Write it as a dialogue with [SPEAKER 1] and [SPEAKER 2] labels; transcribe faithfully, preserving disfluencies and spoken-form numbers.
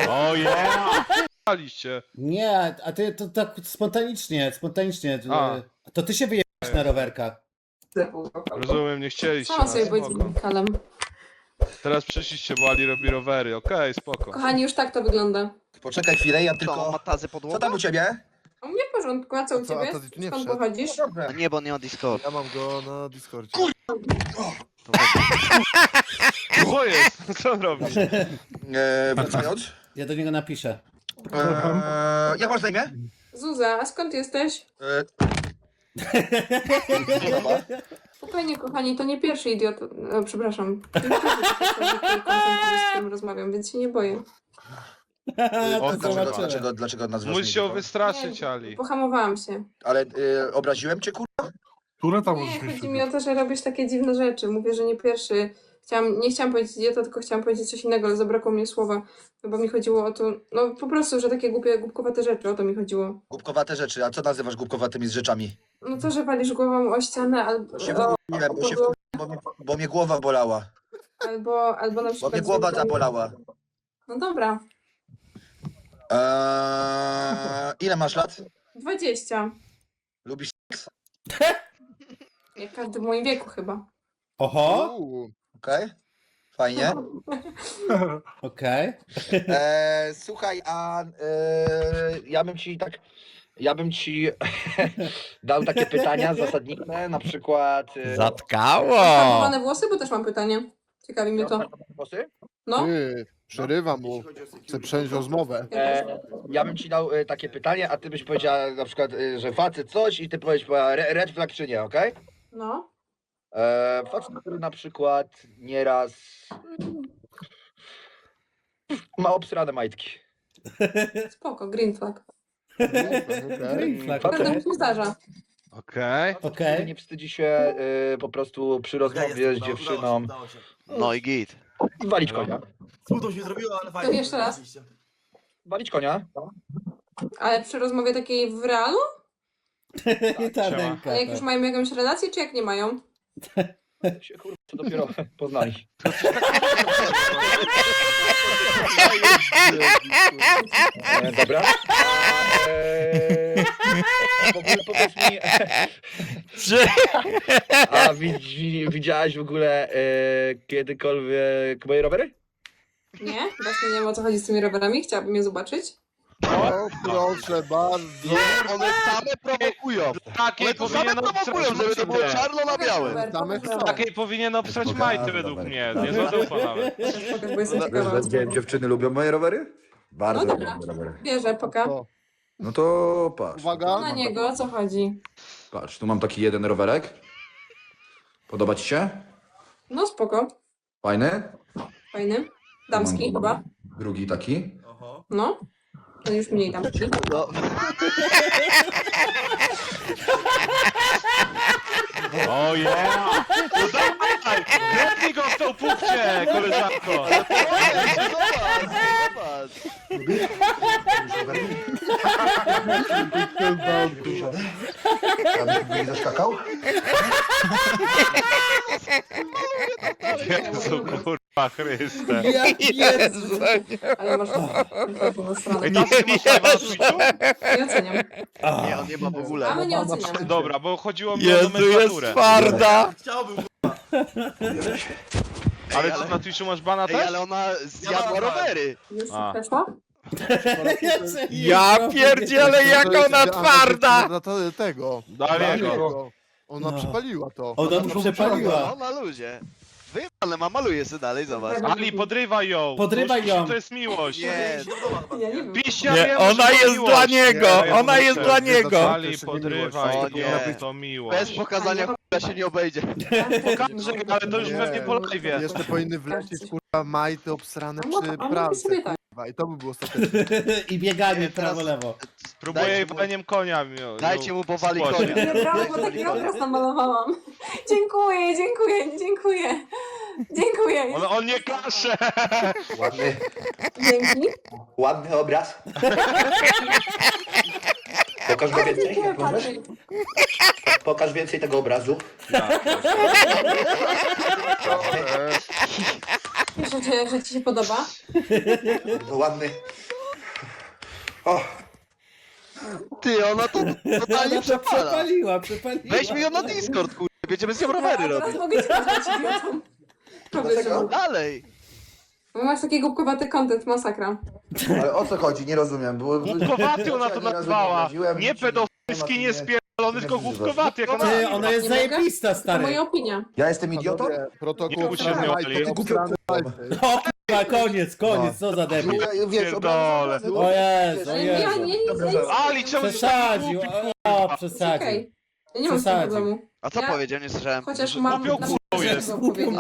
[SPEAKER 1] O yeah! Paliście.
[SPEAKER 2] Nie, a ty to tak spontanicznie, spontanicznie.
[SPEAKER 1] A.
[SPEAKER 2] To ty się wyjeżdżasz na rowerkach.
[SPEAKER 1] Rozumiem, nie chcieliście.
[SPEAKER 3] Sama
[SPEAKER 1] no,
[SPEAKER 3] sobie być
[SPEAKER 1] spoko.
[SPEAKER 3] kalem.
[SPEAKER 1] Teraz przyszliście, bo Ali robi rowery. Okej, spoko.
[SPEAKER 3] Kochani, już tak to wygląda.
[SPEAKER 4] Poczekaj chwilę, ja
[SPEAKER 5] Co,
[SPEAKER 4] tylko...
[SPEAKER 5] ma tazy
[SPEAKER 4] Co
[SPEAKER 5] podłogę?
[SPEAKER 4] tam u ciebie?
[SPEAKER 3] U mnie w porządku, a co u
[SPEAKER 6] A co,
[SPEAKER 3] ciebie?
[SPEAKER 6] a to ty tu nie
[SPEAKER 3] Skąd
[SPEAKER 6] wszedł?
[SPEAKER 3] pochodzisz?
[SPEAKER 4] Dobrze.
[SPEAKER 5] A nie, bo on nie ma Discord.
[SPEAKER 6] Ja mam go na Discordzie.
[SPEAKER 4] Kur-
[SPEAKER 5] To weź.
[SPEAKER 1] Co jest? Co on robi?
[SPEAKER 4] E, wracając.
[SPEAKER 2] Ja do niego napiszę.
[SPEAKER 4] E, jak masz na imię?
[SPEAKER 3] Zuza, a skąd jesteś?
[SPEAKER 4] E,
[SPEAKER 3] Spokojnie, kochani, to nie pierwszy idiot. No, przepraszam. To nie pierwszy kontent, z którym rozmawiam, więc się nie boję.
[SPEAKER 1] O,
[SPEAKER 2] To
[SPEAKER 4] dlaczego,
[SPEAKER 2] zobaczymy.
[SPEAKER 4] dlaczego, dlaczego nazwasz
[SPEAKER 1] Musisz się
[SPEAKER 4] mnie?
[SPEAKER 1] wystraszyć,
[SPEAKER 3] Nie,
[SPEAKER 1] Ali.
[SPEAKER 3] Pohamowałam się.
[SPEAKER 4] Ale e, obraziłem cię, kurwa?
[SPEAKER 7] Które tam
[SPEAKER 3] Nie,
[SPEAKER 7] możesz mieć?
[SPEAKER 3] chodzi mi o to, że robisz takie dziwne rzeczy. Mówię, że nie pierwszy. Chciałam, nie chciałam powiedzieć idiota, tylko chciałam powiedzieć coś innego, ale zabrakło mi słowa. No bo mi chodziło o to, no po prostu, że takie głupie, głupkowate rzeczy, o to mi chodziło.
[SPEAKER 4] Głupkowate rzeczy. A co nazywasz głupkowatymi z rzeczami?
[SPEAKER 3] No to, że walisz głową o ścianę albo,
[SPEAKER 4] Się
[SPEAKER 3] o,
[SPEAKER 4] wkurwiłem, bo, się wkurwiłem, bo, mnie, bo mnie głowa bolała.
[SPEAKER 3] albo, albo na
[SPEAKER 4] Bo
[SPEAKER 3] przykład...
[SPEAKER 4] mnie głowa zabolała.
[SPEAKER 3] No dobra,
[SPEAKER 4] Eee, ile masz lat?
[SPEAKER 3] dwadzieścia.
[SPEAKER 4] Lubisz...
[SPEAKER 3] Jak każdy w moim wieku chyba.
[SPEAKER 2] Oho,
[SPEAKER 6] Uuu,
[SPEAKER 4] Okej? Fajnie.
[SPEAKER 2] okej.
[SPEAKER 4] E, słuchaj, a e, ja bym ci tak, ja bym ci dał takie pytania zasadnicze, na przykład... E,
[SPEAKER 8] Zatkało!
[SPEAKER 3] Farbowane włosy, bo też mam pytanie. Ciekawi mnie to.
[SPEAKER 4] Głosy?
[SPEAKER 3] No,
[SPEAKER 6] ty, przerywam mu. Chcę przejąć rozmowę.
[SPEAKER 4] E, ja bym ci dał e, takie pytanie, a ty byś powiedziała na przykład, e, że facet coś i ty powiesz re, red flag czy nie, okej?
[SPEAKER 3] no.
[SPEAKER 4] E, facet, który na przykład nieraz ma obsrane majtki.
[SPEAKER 3] Spoko, green flag.
[SPEAKER 2] Green flag,
[SPEAKER 3] Prawda
[SPEAKER 2] okej.
[SPEAKER 3] mi się zdarza.
[SPEAKER 1] Okej.
[SPEAKER 4] Który
[SPEAKER 2] Okej.
[SPEAKER 4] nie wstydzi się e, po prostu przy rozmowie z dziewczyną
[SPEAKER 5] No i git.
[SPEAKER 4] walić konia.
[SPEAKER 7] Smutno się zrobiło, ale
[SPEAKER 3] To
[SPEAKER 7] fajnie.
[SPEAKER 3] jeszcze raz.
[SPEAKER 4] Walić konia.
[SPEAKER 3] Ale przy rozmowie takiej w realu?
[SPEAKER 2] I ta
[SPEAKER 1] siema.
[SPEAKER 2] ręka.
[SPEAKER 3] A jak już
[SPEAKER 2] tak.
[SPEAKER 3] mają jakąś relację, czy jak nie mają?
[SPEAKER 4] Się kurwa dopiero poznali. E, dobra. E, w ogóle powiedz mi, a widzi, widziałaś w ogóle e, kiedykolwiek moje rowery?
[SPEAKER 3] Nie? Właśnie nie wiem, o co chodzi z tymi rowerami. Chciałabym je zobaczyć.
[SPEAKER 6] O, proszę bardzo.
[SPEAKER 5] One same prowokują.
[SPEAKER 1] Takiej
[SPEAKER 5] One to same
[SPEAKER 1] powinien
[SPEAKER 5] prowokują,
[SPEAKER 1] obsrać
[SPEAKER 5] żeby to było
[SPEAKER 1] majty.
[SPEAKER 5] czarno na białym.
[SPEAKER 3] Pokaż
[SPEAKER 6] Same
[SPEAKER 3] rower,
[SPEAKER 6] chcą.
[SPEAKER 3] pokaż
[SPEAKER 1] Takiej powinien obsrać majty według mnie. Nie zadupa nawet.
[SPEAKER 3] rower. Pokaż, bo jestem
[SPEAKER 4] Wiesz,
[SPEAKER 3] ciekawa.
[SPEAKER 4] że dzie- dziewczyny lubią moje rowery? Bardzo
[SPEAKER 3] No
[SPEAKER 4] lubią
[SPEAKER 3] dobra.
[SPEAKER 4] moje rowery.
[SPEAKER 3] Bierze, poka.
[SPEAKER 6] To,
[SPEAKER 4] No to patrz.
[SPEAKER 6] Uwaga.
[SPEAKER 3] Na niego, o co chodzi?
[SPEAKER 4] Patrz, tu mam taki jeden rowerek. Podoba ci się?
[SPEAKER 3] No spoko.
[SPEAKER 4] Fajny?
[SPEAKER 3] Fajny. Damski
[SPEAKER 4] Mam
[SPEAKER 3] chyba.
[SPEAKER 4] Drugi taki.
[SPEAKER 3] No. No już mniej damski.
[SPEAKER 5] No,
[SPEAKER 1] O yeah! No dawaj! Gretnij go w tą pupcie, koleżanko!
[SPEAKER 5] zobacz, zobacz.
[SPEAKER 4] Ja bym nie zaskakał?
[SPEAKER 1] Jezu, kurwa Chryste.
[SPEAKER 8] Jezu!
[SPEAKER 3] Ale masz na stronę.
[SPEAKER 1] Ej, tacy masz live'a na Twitchu?
[SPEAKER 3] Nie oceniam.
[SPEAKER 5] Nie, on nie ma w ogóle.
[SPEAKER 3] A my nie oceniamy.
[SPEAKER 1] Dobra, bo chodziło mi o
[SPEAKER 8] Jezu, jest
[SPEAKER 1] nomenklaturę.
[SPEAKER 8] twarda!
[SPEAKER 7] Chciałbym.
[SPEAKER 1] Ale co, na Twitchu masz bana
[SPEAKER 5] Ej,
[SPEAKER 1] też?
[SPEAKER 5] ale ona zjadła rowery.
[SPEAKER 3] Już
[SPEAKER 1] A.
[SPEAKER 3] przeszła?
[SPEAKER 8] Ja pierdzielę, jak ona twarda!
[SPEAKER 6] Na to, tego.
[SPEAKER 1] Daliego.
[SPEAKER 6] Tego. Ona
[SPEAKER 2] No.
[SPEAKER 6] przepaliła to.
[SPEAKER 2] Ona to przepaliła.
[SPEAKER 5] No na luzie. Wyjebane ma, maluje sobie dalej, zobacz.
[SPEAKER 1] Ali, podrywaj ją!
[SPEAKER 2] Podrywaj
[SPEAKER 1] To-
[SPEAKER 2] ją.
[SPEAKER 1] To jest miłość!
[SPEAKER 5] Nie,
[SPEAKER 3] Ja nie wiem.
[SPEAKER 1] Piścia
[SPEAKER 8] Nie,
[SPEAKER 1] wiem,
[SPEAKER 8] ona
[SPEAKER 1] że to
[SPEAKER 8] jest
[SPEAKER 1] miłość.
[SPEAKER 8] dla niego,
[SPEAKER 1] Nie,
[SPEAKER 8] ona
[SPEAKER 1] ja
[SPEAKER 8] jest
[SPEAKER 1] muszę.
[SPEAKER 8] dla niego.
[SPEAKER 1] Ali, podrywaj,
[SPEAKER 5] O
[SPEAKER 1] to
[SPEAKER 5] nie.
[SPEAKER 1] jest to
[SPEAKER 5] bez
[SPEAKER 1] miłość.
[SPEAKER 5] pokazania k***a się nie obejdzie.
[SPEAKER 1] Pokażę, ale to już
[SPEAKER 6] Nie.
[SPEAKER 1] pewnie po live'ie.
[SPEAKER 6] Jeszcze powinny wlecieć kurwa majty obsrane
[SPEAKER 3] A mo-
[SPEAKER 6] przy
[SPEAKER 3] a mogę
[SPEAKER 6] pralce.
[SPEAKER 3] sobie tak.
[SPEAKER 6] Kurwa. I to by było ostateczne.
[SPEAKER 2] I bieganie
[SPEAKER 5] Nie, teraz-
[SPEAKER 2] prawo-lewo.
[SPEAKER 1] Spróbuję jej
[SPEAKER 5] Dajcie mu-
[SPEAKER 1] waleniem konia. mi-
[SPEAKER 5] Dajcie mu powali
[SPEAKER 1] Spłosie.
[SPEAKER 5] konia.
[SPEAKER 3] Nie, brawo, bo taki obraz namalowałam. Dziękuję, dziękuję, dziękuję. Dziękuję.
[SPEAKER 1] On, on nie kasze!
[SPEAKER 4] Ładny,
[SPEAKER 3] Dzięki.
[SPEAKER 4] ładny obraz. Pokaż go więcej,
[SPEAKER 3] Dziękuję,
[SPEAKER 4] jak możesz.
[SPEAKER 3] Patryk.
[SPEAKER 4] Pokaż więcej tego obrazu.
[SPEAKER 3] cieszę, że, że ci się podoba.
[SPEAKER 4] To ładny. O,
[SPEAKER 5] Ty, ona to totalnie
[SPEAKER 2] Ona to
[SPEAKER 5] przepala.
[SPEAKER 2] przepaliła, przepaliła.
[SPEAKER 5] Weź mi ją na Discord, kurde. Będziemy z nią
[SPEAKER 3] A
[SPEAKER 5] rowery
[SPEAKER 3] teraz
[SPEAKER 5] robić.
[SPEAKER 3] mogę cię nazwać idiotą.
[SPEAKER 4] Dlaczego?
[SPEAKER 5] Dalej.
[SPEAKER 3] Bo masz taki głupkowaty content, masakra.
[SPEAKER 4] ale o co chodzi? Nie rozumiem. Było...
[SPEAKER 1] Głupkowaty ona to
[SPEAKER 4] Ja ani razu
[SPEAKER 1] nazwała.
[SPEAKER 4] obraziłem,
[SPEAKER 1] Nie
[SPEAKER 4] nic nie-
[SPEAKER 1] pedofilski, nie spierdolony, tylko głupkowaty. Jak ona
[SPEAKER 2] Ty, ona jest
[SPEAKER 3] Nie mogę?
[SPEAKER 2] zajebista,
[SPEAKER 3] To
[SPEAKER 2] stary.
[SPEAKER 3] moja opinia.
[SPEAKER 4] Ja jestem idiotą?
[SPEAKER 6] Panowie, Protokół
[SPEAKER 1] Nie
[SPEAKER 6] obsrany
[SPEAKER 1] uczynnią,
[SPEAKER 6] majty,
[SPEAKER 1] ale-
[SPEAKER 6] obsrany majty.
[SPEAKER 2] O kurwa, koniec, koniec, co za debil.
[SPEAKER 4] Ja- Wiesz,
[SPEAKER 1] Pierdolę.
[SPEAKER 4] obrażam-
[SPEAKER 2] O Jezu, o
[SPEAKER 3] Ale ja
[SPEAKER 2] Jezu.
[SPEAKER 3] nie, nie, nie, nie.
[SPEAKER 1] Ali, czemu jesteś taki
[SPEAKER 2] Przesadził,
[SPEAKER 1] głupi,
[SPEAKER 2] o,
[SPEAKER 1] kurwa?
[SPEAKER 2] przesadził.
[SPEAKER 3] Okej. Ja nie mam z tym
[SPEAKER 2] Przesadził.
[SPEAKER 3] problemu.
[SPEAKER 5] A co
[SPEAKER 3] Ja-
[SPEAKER 5] powiedział? Nie słyszałem.
[SPEAKER 3] Chociaż
[SPEAKER 1] Że
[SPEAKER 3] mam
[SPEAKER 1] głupią
[SPEAKER 3] na
[SPEAKER 1] kurwą
[SPEAKER 3] przykład
[SPEAKER 1] jest.
[SPEAKER 3] powiedzieć.